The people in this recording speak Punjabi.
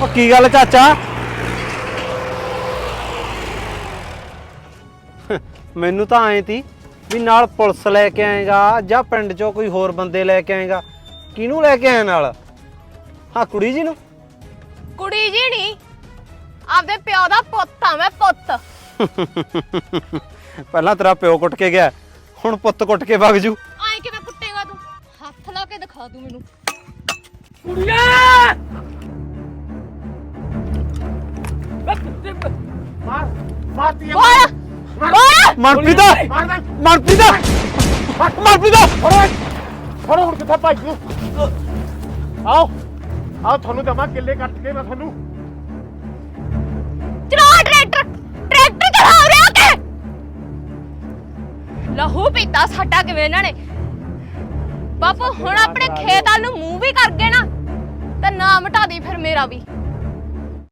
ਉਹ ਕੀ ਗੱਲ ਚਾਚਾ? ਮੈਨੂੰ ਤਾਂ ਐਂ ਤੀ ਵੀ ਨਾਲ ਪੁਲਿਸ ਲੈ ਕੇ ਆਏਗਾ ਜਾਂ ਪਿੰਡ ਚੋਂ ਕੋਈ ਹੋਰ ਬੰਦੇ ਲੈ ਕੇ ਆਏਗਾ। ਕਿਹਨੂੰ ਲੈ ਕੇ ਆਇਆ ਨਾਲ? ਹਾਂ ਕੁੜੀ ਜੀ ਨੂੰ? ਕੁੜੀ ਜੀ ਨਹੀਂ, ਆਪਦੇ ਪਿਓ ਦਾ ਪੁੱਤ ਆ ਮੈਂ, ਪੁੱਤ। ਪਹਿਲਾਂ ਤੇਰਾ ਪਿਓ ਕੁੱਟ ਕੇ ਗਿਆ, ਹੁਣ ਪੁੱਤ ਕੁੱਟ ਕੇ ਵਗ ਜੂ। ਆਏ ਕਿਵੇਂ ਕੁੱਟੇਗਾ ਤੂੰ? ਹੱਥ ਲਾ ਕੇ ਦਿਖਾ ਤੂੰ ਮੈਨੂੰ। ਕੁੜੀਆਂ ਮਾਰ ਮਾਰਤੀ ਬੋਲ ਬੋਲ। ਮਨਪ੍ਰੀਤ ਮਨਪ੍ਰੀਤ ਮਨਪ੍ਰੀਤ ਫੜੋ ਹੁਣ ਕਿੱਥੇ ਭਾਈ ਨੂੰ? ਆਓ ਆਓ, ਤੁਹਾਨੂੰ ਦਮਾ ਕਿੱਲੇ ਕੱਟ ਕੇ ਮੈਂ ਤੁਹਾਨੂੰ। ਚਲਾ ਟਰੈਕਟਰ, ਟਰੈਕਟਰ ਚਲਾ ਰਿਹਾ ਕੇ ਲਹੂ ਪੀਤਾ ਸਾਡਾ ਕਿਵੇਂ ਇਹਨਾਂ ਨੇ। ਬਾਪੂ ਹੁਣ ਆਪਣੇ ਖੇਤ ਵੱਲ ਨੂੰ ਮੂੰਹ ਵੀ ਕਰ ਗਏ ਨਾ, ਤੇ ਨਾ ਮਿਟਾ ਦੀ ਫਿਰ ਮੇਰਾ ਵੀ।